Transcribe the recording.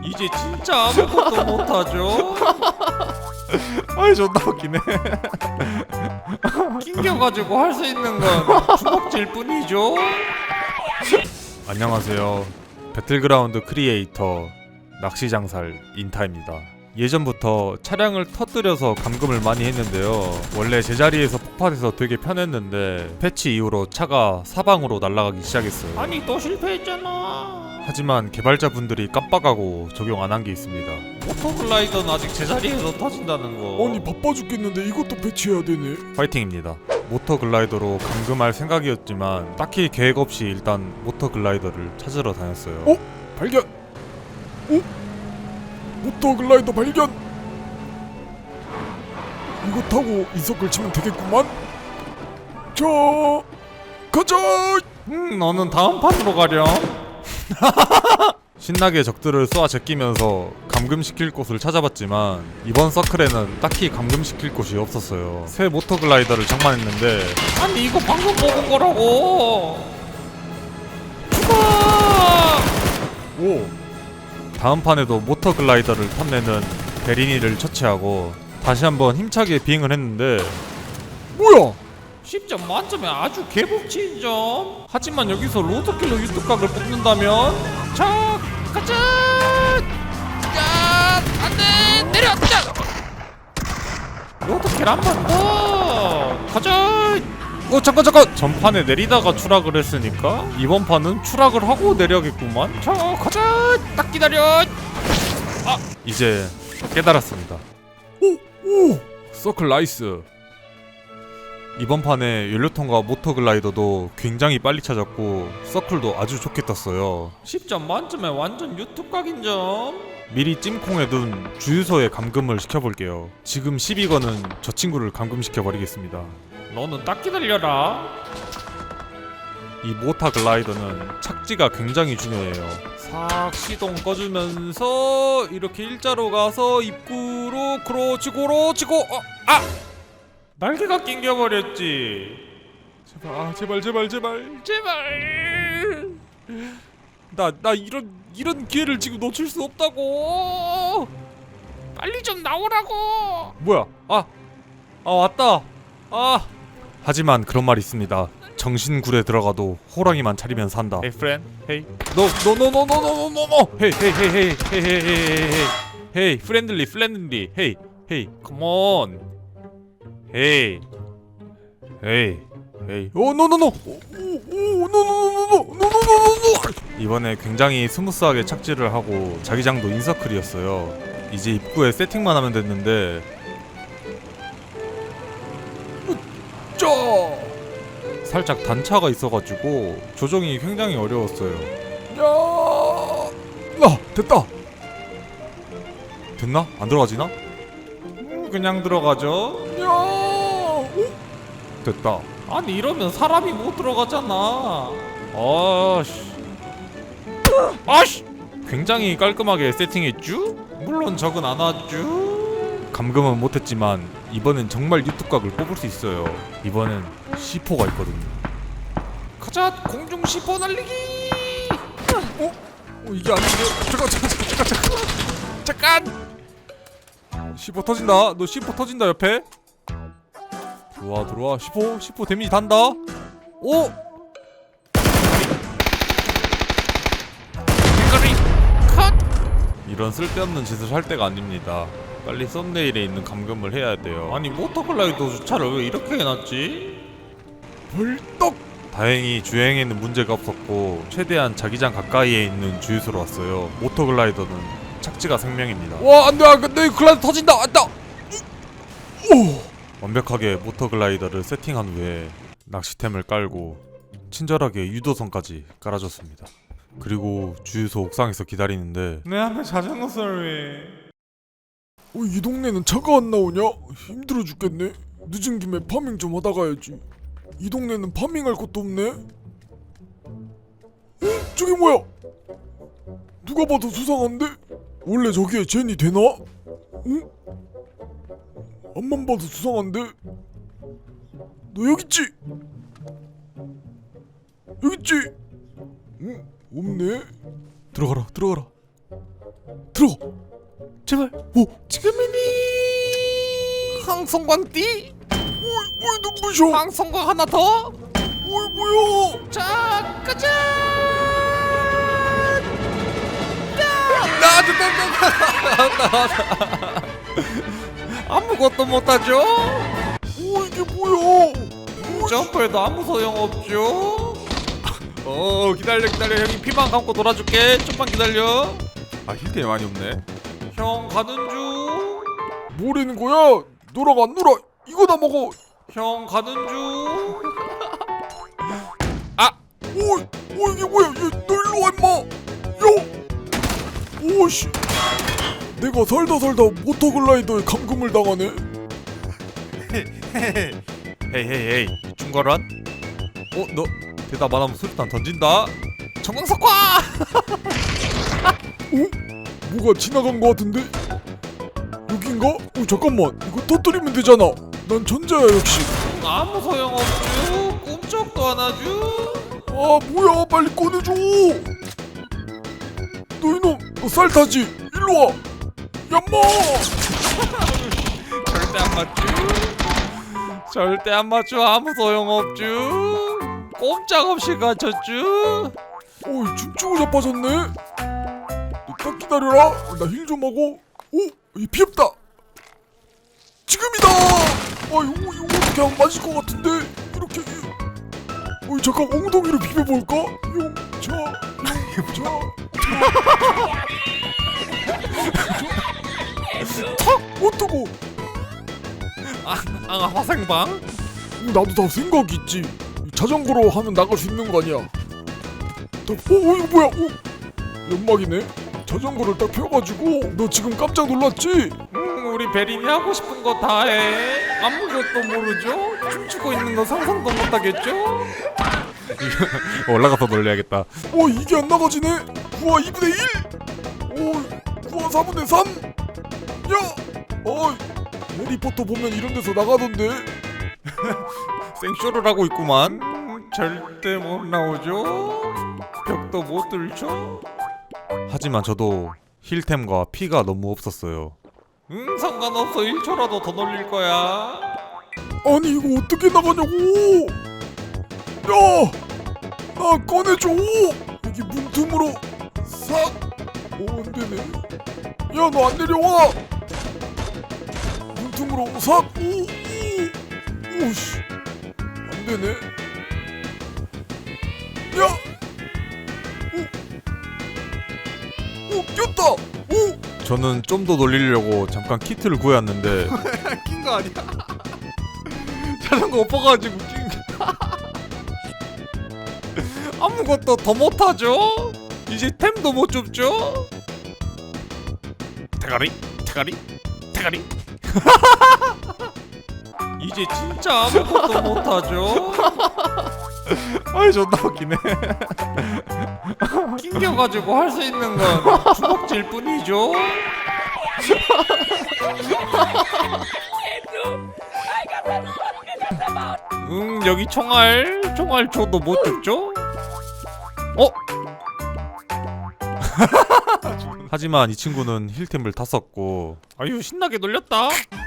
이제 진짜 아무것도 못하죠? 아이 존나 웃기네. 낑겨가지고 할 수 있는 건 주먹질 뿐이죠? 안녕하세요. 배틀그라운드 크리에이터 낚시장살 인타입니다. 예전부터 차량을 터뜨려서 감금을 많이 했는데요. 원래 제자리에서 폭발해서 되게 편했는데 패치 이후로 차가 사방으로 날아가기 시작했어요. 아니 또 실패했잖아. 하지만 개발자분들이 깜빡하고 적용 안 한 게 있습니다. 오토글라이더는 아직 제자리에서 터진다는 거. 아니 바빠 죽겠는데 이것도 배치해야 되네. 파이팅입니다. 모터 글라이더로 감금할 생각이었지만 딱히 계획 없이 일단 모터 글라이더를 찾으러 다녔어요. 어? 발견! 모터 글라이더 발견! 이거 타고 이석을 치면 되겠구만? 자, 가자! 너는 다음 판으로 가렴. 신나게 적들을 쏘아 제끼면서 감금시킬 곳을 찾아봤지만 이번 서클에는 딱히 감금시킬 곳이 없었어요. 새 모터 글라이더를 장만했는데 아니 이거 방금 먹은 거라고. 죽어. 오! 다음 판에도 모터 글라이더를 탐내는 베리니를 처치하고 다시 한번 힘차게 비행을 했는데 뭐야? 10점 만점에 아주 개복치인 점. 하지만 여기서 로드킬로 유튜각을 뽑는다면 자 가자. 야 안돼 내려. 자 로드킬 한 번 더. 가자. 잠깐! 전판에 내리다가 추락을 했으니까 이번 판은 추락을 하고 내려야겠구만. 자 가자. 딱 기다려. 이제 깨달았습니다. 오! 서클 나이스. 이번 판에 연료통과 모터 글라이더도 굉장히 빨리 찾았고 서클도 아주 좋게 떴어요. 10점 만점에 완전 유튜각인 점. 미리 찜콩해둔 주유소에 감금을 시켜볼게요. 지금 12건은 저 친구를 감금시켜버리겠습니다. 너는 딱 기다려라. 이 모터 글라이더는 착지가 굉장히 중요해요. 싹 시동 꺼주면서 이렇게 일자로 가서 입구로 그렇지 날개가 낑겨버렸지. 제발 나 이런 기회를 지금 놓칠 수 없다고. 빨리 좀 나오라고. 뭐야 왔다. 하지만 그런 말이 있습니다. 정신굴에 들어가도 호랑이만 차리면 산다. Hey friend, hey, No. Hey, friendly. Hey. come on. Hey. Oh, no. 이번에 굉장히 스무스하게 착지를 하고 자기장도 인서클이었어요. 이제 입구에 세팅만 하면 됐는데 자! 살짝 단차가 있어가지고 조정이 굉장히 어려웠어요. 야! 됐다! 됐나? 안 들어가지나? 그냥 들어가죠. 야! 됐다. 아니 이러면 사람이 못 들어가잖아. 아씨! 굉장히 깔끔하게 세팅했쥬? 물론 적은 안 왔쥬. 감금은 못했지만 이번엔 정말 유튜각을 뽑을 수 있어요. 이번엔 C4가 있거든요. 가자 공중 C4 날리기. 이게 아닌데? 잠깐. C4 터진다. 너 C4 터진다 옆에. 들어와. C4 데미지 단다. 오! 빙거리 컷. 이런 쓸데없는 짓을 할 때가 아닙니다. 빨리 썸네일에 있는 감금을 해야 돼요. 아니 모터글라이더 주차를 왜 이렇게 해놨지? 벌떡! 다행히 주행에는 문제가 없었고 최대한 자기장 가까이에 있는 주유소로 왔어요. 모터 글라이더는 착지가 생명입니다. 와 안돼 내 글라이더 터진다! 안다! 완벽하게 모터 글라이더를 세팅한 후에 낚시템을 깔고 친절하게 유도선까지 깔아줬습니다. 그리고 주유소 옥상에서 기다리는데 내 앞에 자전거 소리. 이 동네는 차가 안 나오냐? 힘들어 죽겠네. 늦은 김에 파밍 좀 하다 가야지. 이 동네는 파밍할 것도 없네. 저게 뭐야? 누가 봐도 수상한데? 원래 저기에 젠이 되나? 응? 앞만 봐도 수상한데? 너 여기 있지? 여기 있지? 응? 없네. 들어가라. 들어. 제발. 오, 지금이니. 항성광띠. 어이 눈부셔. 항성광 하나 더. 어이 뭐야? 자, 가자. 아무것도 못하죠. 오 이게 뭐야? 점프해도 아무 소용없죠. 기다려 형이 피만 감고 놀아줄게. 좀만 기다려. 아 힐템이 많이 없네. 형 가는 중. 뭐라는 거야? 놀아가 안 놀아? 이거 다 먹어. 형 가는 중. 오 이게 뭐야? 너 일로 와 임마. 야. 오씨. 내가 살다 모터글라이더에 감금을 당하네. 헤이 중거란? 너 대답 안 하면 수류탄 던진다. 정광석화. 뭐가 지나간 거 같은데? 여긴가? 잠깐만. 이거 터뜨리면 되잖아. 난 천재야 역시. 아무 소용없죠. 꿈쩍도 안 하죠. 아 뭐야 빨리 꺼내줘. 너 이놈 너 쌀 타지? 일로 와. 얌마. 절대 안 맞죠. 절대 안 맞죠. 아무 소용없죠. 꼼짝없이 갇혔죠. 어이 춤추고 자빠졌네. 너 딱 기다려라. 나 힐 좀 하고. 이 피없다. 지금이다. 이거 어떻게 하면 맞을 것 같은데. 이렇게. 잠깐 엉덩이로 비벼볼까? 용차. 턱 어떡고. 화생방. 나도 다 생각이 있지. 자전거로 하면 나갈 수 있는 거 아니야. 이거 뭐야? 연막이네. 자전거를 딱 펴가지고. 너 지금 깜짝 놀랐지? 우리 베린이 하고 싶은 거 다 해. 아무것도 모르죠. 춤추고 있는 거 상상도 못하겠죠. 올라가서 놀려야겠다. 이게 안 나가지네. 9와 2분의 1. 9와 4분의 3. 야. 해리포터 보면 이런 데서 나가던데. 생쇼를 하고 있구만. 절대 못 나오죠. 벽도 못 뚫죠. 하지만 저도 힐템과 피가 너무 없었어요. 상관없어. 1초라도 더 놀릴 거야. 아니 이거 어떻게 나가냐고. 야. 꺼내줘. 여기 문틈으로 싹. 안되네. 야 너 안 내려와. 문틈으로 싹. 오씨 안되네. 야. 꼈다. 저는 좀 더 놀리려고 잠깐 키트를 구해왔는데 낀 거 아니야? 자전거 엎어가지고 낀 거. 아무것도 더 못하죠. 이제 템도 못 줍죠. 대가리. 이제 진짜 아무것도 못하죠. 아이 존나 웃기네. 낑겨가지고 할 수 있는 건 주먹질 뿐이죠. 여기 총알 줘도 못 줍죠. 하지만 이 친구는 힐템을 다 썼고 아유 신나게 놀렸다.